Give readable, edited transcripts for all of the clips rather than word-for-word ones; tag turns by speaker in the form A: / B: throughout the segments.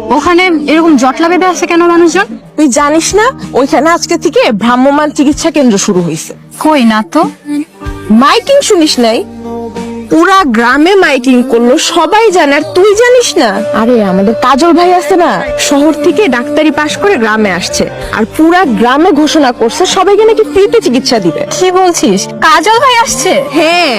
A: ওখানে এরকম জটলা বেঁধে আছে কেন মানুষজন?
B: তুই জানিস না ওইখানে আজকে থেকে ভ্রাম্যমাণ চিকিৎসা কেন্দ্র শুরু হয়েছে।
A: কই না তো।
B: মাইকিং শুনিস নাই? পুরা গ্রামে মাইকিং করলো, সবাই জানে, আর তুই জানিস না? আরে আমাদের কাজল ভাই আছে না, শহর থেকে ডাক্তারি পাশ করে গ্রামে আসছে, আর পুরা গ্রামে ঘোষণা করছে সবাইকে নাকি ফ্রিতে চিকিৎসা দিবে।
A: কি বলছিস? কাজল ভাই আসছে?
B: হ্যাঁ।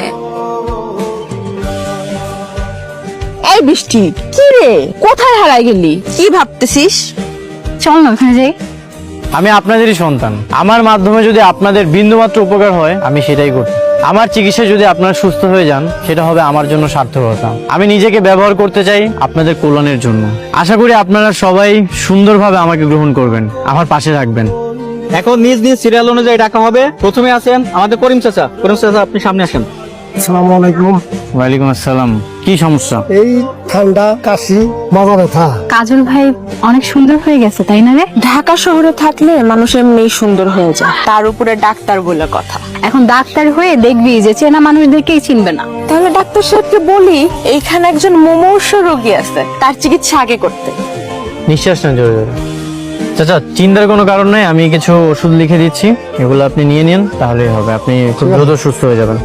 B: এই বৃষ্টি, কি রে, কোথায় হারাই গেলি? কি ভাবতেছিস?
A: চল না ওখানে যাই।
C: আমি আপনাদেরই সন্তান, আমার মাধ্যমে যদি আপনাদের বিন্দুমাত্র উপকার হয় আমি সেটাই করি। আমার চিকিৎসায় যদি আপনারা সুস্থ হয়ে যান সেটা হবে আমার জন্য সার্থকতা। আমি নিজেকে ব্যবহার করতে চাই আপনাদের কল্যাণের জন্য। আশা করি আপনারা সবাই সুন্দরভাবে আমাকে গ্রহণ করবেন, আমার পাশে থাকবেন।
D: এখন নিজ নিজ সিরিয়াল অনুযায়ী ডাকা হবে। প্রথমে আছেন আমাদের করিম চাচা। করিম চাচা, আপনি সামনে আসেন।
E: আসসালামু আলাইকুম।
C: ওয়ালাইকুম আসসালাম। কি সমস্যা?
E: এই ঠান্ডা, কাশি, মাথা ব্যথা।
A: কাজল ভাই অনেক সুন্দর হয়ে গেছে তাই না রে?
B: ঢাকা শহরে থাকলে মানুষ এমনি সুন্দর হয়ে যায়, তার উপরে ডাক্তার বলে কথা।
A: এখন ডাক্তার হয়ে দেখবি যে চেনা মানুষদেরকেই চিনবে না।
B: তাহলে ডাক্তার সাহেবকে বলি এইখানে একজন মুমূর্ষু রোগী আছে, তার চিকিৎসা আগে করতে।
C: নিঃশ্বাস নেন জোরে জোরে। চাচা, চিন্তার কোনো কারণ নাই, আমি কিছু ওষুধ লিখে দিচ্ছি, এগুলো আপনি নিয়ে নিন, তাহলেই হবে। আপনি খুব দ্রুত সুস্থ হয়ে যাবেন।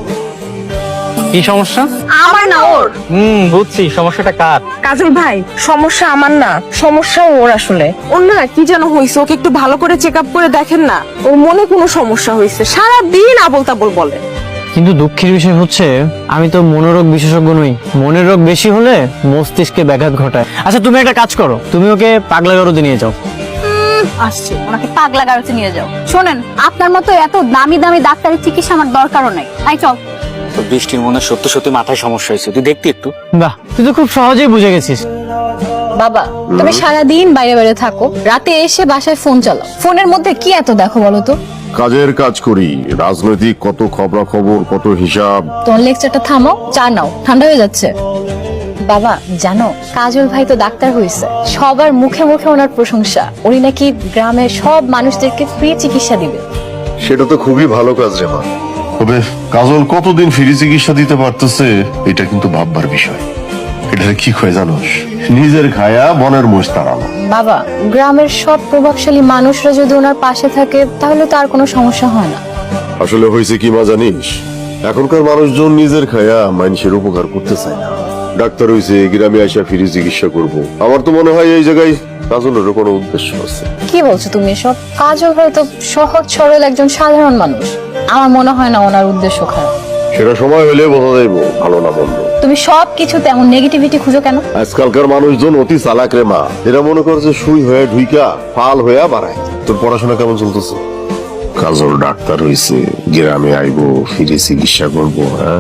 C: কি সমস্যা?
B: আমার না ওর।
D: বুঝছি সমস্যাটা কার।
B: কাজল ভাই, সমস্যা আমার না, সমস্যা ওর। আসলে ওর না কি যেন হয়েছে, ওকে একটু ভালো করে চেক আপ করে দেখেন না। ওর মনে কোনো সমস্যা হয়েছে, সারাদিন আবোল তাবোল বলে।
C: কিন্তু দুঃখের বিষয় হচ্ছে আমি তো মনোরোগ বিশেষজ্ঞ নই। মনের রোগ বেশি হলে মস্তিষ্কে ব্যাঘাত ঘটায়। আচ্ছা, তুমি একটা কাজ করো, তুমি ওকে পাগলা গারদে নিয়ে যাও।
A: আসছে, ওনাকে পাগলা গারোতে নিয়ে যাও। শোনেন, আপনার মতো এত দামি দামি ডাক্তারি চিকিৎসা আমার দরকারও নাই। আই চল।
D: তো বৃষ্টির মনে সত্যি সত্যি মাথায় সমস্যা হয়েছে, তুই দেখতি একটু।
C: বাহ, তুই তো খুব সহজেই বুঝে গেছিস।
A: বাবা, তুমি সারাদিন বাইরে বাইরে থাকো, রাতে এসে বাসায় ফোন চালাও। ফোনের মধ্যে কি এত দেখো বলো তো?
F: কাজের কাজ করি, রাজনৈতিক কত খবরাখবর, কত হিসাব।
A: তোমার লেকচারটা থামো, চা নাও, ঠান্ডা হয়ে যাচ্ছে। বাবা জানো, কাজল ভাই তো ডাক্তার হয়েছে, সবার মুখে মুখে ওনার প্রশংসা। উনি নাকি গ্রামের সব মানুষদেরকে ফ্রি চিকিৎসা দিবে।
F: সেটা তো খুবই ভালো কাজ রে মা। তবে কাজল কতদিন ফ্রি চিকিৎসা দিতে পারতেছে এটা কিন্তু ভাববার বিষয়। এটা কি হয় জানোস, নিজের খায়া বনের মোষ তাড়ানো।
A: বাবা, গ্রামের সব প্রভাবশালী মানুষরা যদি ওনার পাশে থাকে তাহলে তো আর কোনো সমস্যা হয় না।
F: আসলে হয়েছে কি মা জানিস, এখনকার মানুষজন নিজের খায়া মানুষের উপকার করতে চায় না। ডাক্তার হইছে গ্রামে আসা ফ্রি চিকিৎসা করব। আমার তো মনে হয় এই জায়গায় কাজলেরও কোনো উদ্দেশ্য আছে।
A: কি বলছো তুমি এসব? কাজল ভাই তো সহজ সরল একজন সাধারণ মানুষ। আমার মনে হয় না ওনার উদ্দেশ্য খারাপ।
F: সেটা সময় হলে বোঝা যাইব ভালো না মন্দ।
A: তুমি সব কিছু তেমন নেগেটিভিটি খুঁজো কেন?
F: আজকালকার মানুষজন অতি চালাক রে মা। এরা মনে করছে সুই হয়ে ঢুইকা ফাল হইয়া বাড়ায়। তোর পড়াশোনা কেমন চলতেছে? কাজল ডাক্তার হইছে, গ্রামে আইবো, ফিরে চিকিৎসা করবো। হ্যাঁ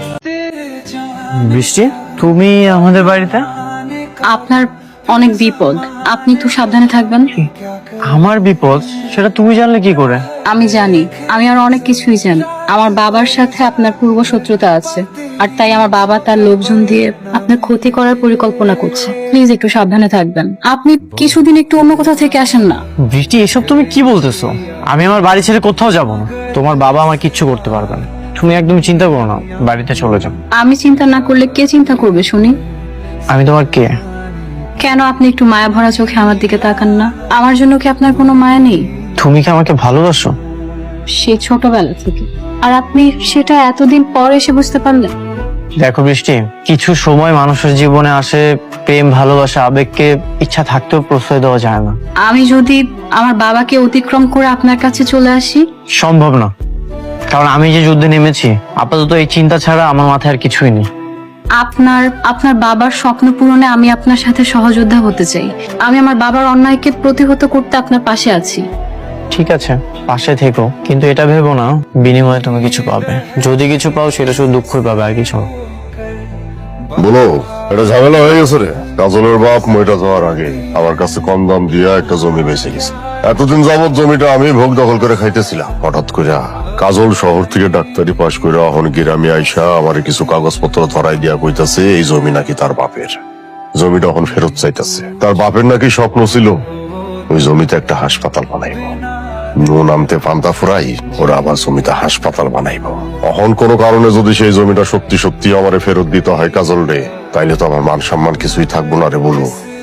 C: বৃষ্টি, তুমি আমাদের বাড়িতে?
A: আপনার অনেক বিপদ, আপনি একটু সাবধানে থাকবেন।
C: আমার বিপদ? সেটা তুমি জানলে কি করে?
A: আমি জানি, আমি আর অনেক কিছুই জানি। আমার বাবার সাথে আপনার পূর্ব শত্রুতা আছে, আর তাই আমার বাবা তার লোকজন দিয়ে আপনার ক্ষতি করার পরিকল্পনা করছে। প্লিজ একটু সাবধানে থাকবেন। আপনি কিছুদিন একটু অন্য কোথাও থেকে আসেন না।
C: বৃষ্টি, এসব তুমি কি বলতেছো? আমি আমার বাড়ি ছেড়ে কোথাও যাব না। তোমার বাবা আমার কিচ্ছু করতে পারবে না। তুমি একদম চিন্তা করো না, বাড়িতে চলে যাও।
A: আমি চিন্তা না করলে কে চিন্তা করবে শুনি?
C: আমি তোমার কে?
A: কেন আপনি একটু মায়া ভরা চোখে আমার দিকে তাকান না? আমার জন্য কি আপনার কোনো মায়া নেই?
C: তুমি কি আমাকে ভালোবাসো?
A: সেই ছোটবেলা থেকে। আর আপনি সেটা এতদিন পর এসে বুঝতে পারলেন?
C: দেখো বৃষ্টি, কিছু সময় মানুষের জীবনে আসে, প্রেম, ভালোবাসা, আবেগকে ইচ্ছা থাকতেও প্রশ্রয় দেওয়া যায় না।
A: আমি যদি আমার বাবাকে অতিক্রম করে আপনার কাছে চলে আসি?
C: সম্ভব না, কারণ আমি যে যুদ্ধে নেমেছি, আপাতত এই চিন্তা ছাড়া আমার মাথায় আর কিছুই নেই।
A: আপনার বাবার স্বপ্ন পূরণে আমি আপনার সাথে সহযোদ্ধা হতে চাই। আমি আমার বাবার অন্যায়কে প্রতিহত করতে আপনার পাশে আছি।
C: ঠিক আছে, পাশে থেকো, কিন্তু এটা ভেবো না বিনিময়ে তুমি কিছু পাবে। যদি কিছু পাও সেটা শুধু দুঃখই পাবে, আর কিছু না।
F: বলো, এটা ঝামেলা হয়ে গেছে রে। কাজলের বাপ মইটা যাওয়ার আগে আমার কাছে কম দাম দিয়া একটা জমি বেঁচে গেছে। এতদিন যাবত জমিটা আমি ভোগ দখল করে খাইতেছিলাম। হঠাৎ করে কাজল শহর থেকে ডাক্তারি পাশ করে এখন গ্রামে আইসা আমার কিছু কাগজপত্র ধরাই দিয়া কইতাছে এই জমি নাকি তার বাপের। জমিটা এখন ফেরত চাইতেছে। তার বাপের নাকি স্বপ্ন ছিল ওই জমিতে একটা হাসপাতাল বানাইব। নুন আনতে পান্তা ফুরাই ওরা আবার জমিতে হাসপাতাল বানাইব। এখন কোনো কারণে যদি সেই জমিটা সত্যি সত্যি আমারে ফেরত দিতে হয় কাজল রে, তাইলে তো আমার মান সম্মান কিছুই থাকবো না রে। বলবো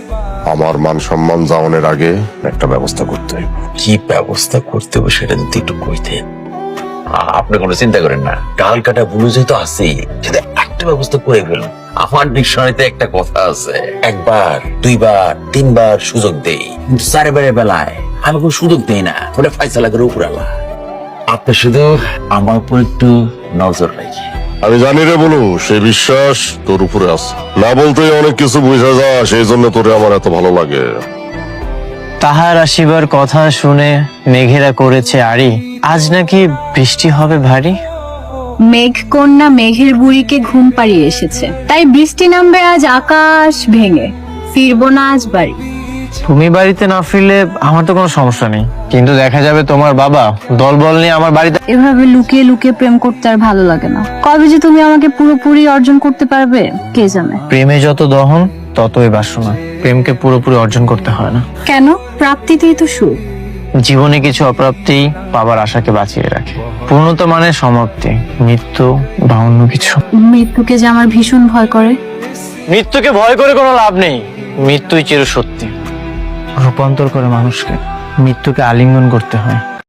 F: আমার মান সম্মান যাওয়ানোর আগে একটা ব্যবস্থা করতে হবে।
G: কি ব্যবস্থা করতে হবে সেটা যদি একটু কইতেন। আপনি কোনো চিন্তা করেন না, ডাল কাটা বুলুজে তো আছেই, সেটা একটা ব্যবস্থা করে ফেলুন। আমার ডিকশনারিতে একটা কথা আছে, একবার, দুইবার, তিনবার সুযোগ দেই, কিন্তু চারবারের বেলায় আমি কোনো সুযোগ দেই না, ওটা ফাইসালা করে উপরালা। আপনি শুধু আমার উপর একটু নজর রাখি।
F: আমি জানি রে বলু, সেই বিশ্বাস তোর উপরে আছে। না বলতেই অনেক কিছু বোঝা যায়, সেই জন্য তোরে আমার এত ভালো লাগে।
C: তাহার আসিবার কথা শুনে মেঘেরা করেছে আড়ি, আজ নাকি বৃষ্টি হবে ভারী।
A: মেঘ কন্যা মেঘের বুড়িকে ঘুম পাড়িয়ে এসেছে, তাই বৃষ্টি নামবে আজ আকাশ ভেঙে, ফিরবো না আজ বাড়ি।
C: তুমি বাড়িতে না ফিরলে আমার তো কোনো সমস্যা নেই, কিন্তু দেখা যাবে তোমার বাবা দলবল নিয়ে আমার বাড়িতে।
A: এভাবে লুকিয়ে লুকিয়ে প্রেম করতে আর ভালো লাগে না। কবে যে তুমি আমাকে পুরোপুরি অর্জন করতে পারবে কে জানে।
C: প্রেমে যত দহন ততই বাসনা, প্রেমকে পুরোপুরি অর্জন করতে হয় না।
A: কেন? প্রাপ্তিতেই তো সুখ।
C: জীবনে কিছু অপ্রাপ্তি পাবার আশাকে বাঁচিয়ে রাখে, পূর্ণতা মানে সমাপ্তি, মৃত্যু বা অন্য কিছু।
A: মৃত্যুকে যে আমার ভীষণ ভয় করে।
C: মৃত্যুকে ভয় করে কোনো লাভ নেই, মৃত্যুই চিরসত্যি, রূপান্তর করে মানুষকে। মৃত্যুকে আলিঙ্গন করতে হয়।